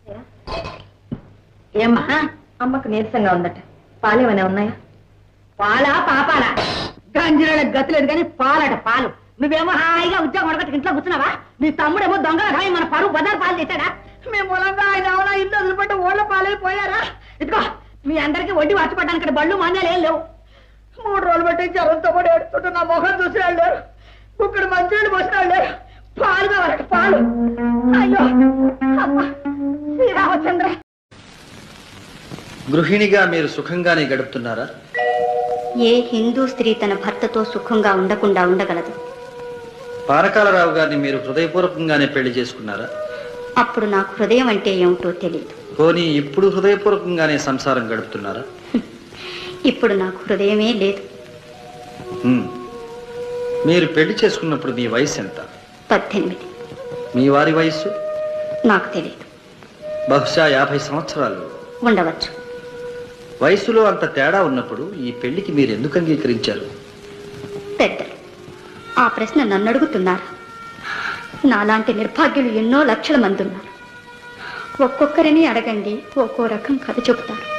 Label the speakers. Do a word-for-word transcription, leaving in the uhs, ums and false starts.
Speaker 1: ఏమ్మా అమ్మకు నీరసంగా ఉందట, పాలేమనే ఉన్నాయా? పాలా పాపాలా గంజిరాళ్ళకి గతి లేదు కానీ పాలట పాలు. నువ్వేమో హాయిగా ఉద్యోగం అడగట్టు ఇంట్లో కూర్చున్నావా? నీ తమ్ముడేమో దొంగల హాయి మన పరువు బజార్ పాలు తెచ్చాడా? మేము మూలంగా ఆయన అవునా ఇల్లు వదిలిపెట్టి ఓళ్ళ పాలైపోయారా? ఇదిగో మీ అందరికీ వడ్డీ వాచిపడ్డానికి ఇక్కడ బళ్ళు మాన్యాలు ఏం లేవు. మూడు రోజులు బట్టి జ్వరంతో కూడా ఏడుస్తుంటే నా మొహం చూసిన వాళ్ళు లేరు, ఇక్కడ మంచినీళ్ళు పోసిన వాళ్ళు లేరు. పాలు కావాలట పాలు. అయ్యో అమ్మ శ్రీరామచంద్ర.
Speaker 2: గృహిణిగా మీరు సుఖంగానే గడుపుతున్నారా?
Speaker 3: ఏ హిందూ స్త్రీ తన భర్తతో సుఖంగా ఉండకుండా ఉండగలదు?
Speaker 2: పానకాలరావు గారిని మీరు హృదయపూర్వకంగానే పెళ్లి చేసుకున్నారా?
Speaker 3: అప్పుడు నాకు హృదయం అంటే ఏమిటో తెలియదు.
Speaker 2: పోనీ ఇప్పుడు హృదయపూర్వకంగానే సంసారం గడుపుతున్నారా?
Speaker 3: ఇప్పుడు నాకు హృదయమే లేదు.
Speaker 2: మీరు పెళ్లి చేసుకున్నప్పుడు మీ వయసు ఎంత?
Speaker 3: పద్దెనిమిది.
Speaker 2: మీ వారి వయస్సు?
Speaker 3: నాకు తెలియదు.
Speaker 2: బహుశా యాభై సంవత్సరాలు
Speaker 3: ఉండవచ్చు.
Speaker 2: వయసులో అంత తేడా ఉన్నప్పుడు ఈ పెళ్లికి మీరు ఎందుకు అంగీకరించారు?
Speaker 3: పెద్దలు ఆ ప్రశ్న నన్ను అడుగుతున్నారు. నాలాంటి నిర్భాగ్యులు ఎన్నో లక్షల మంది ఉన్నారు. ఒక్కొక్కరిని అడగండి, ఒక్కో రకం కథ చెబుతారు.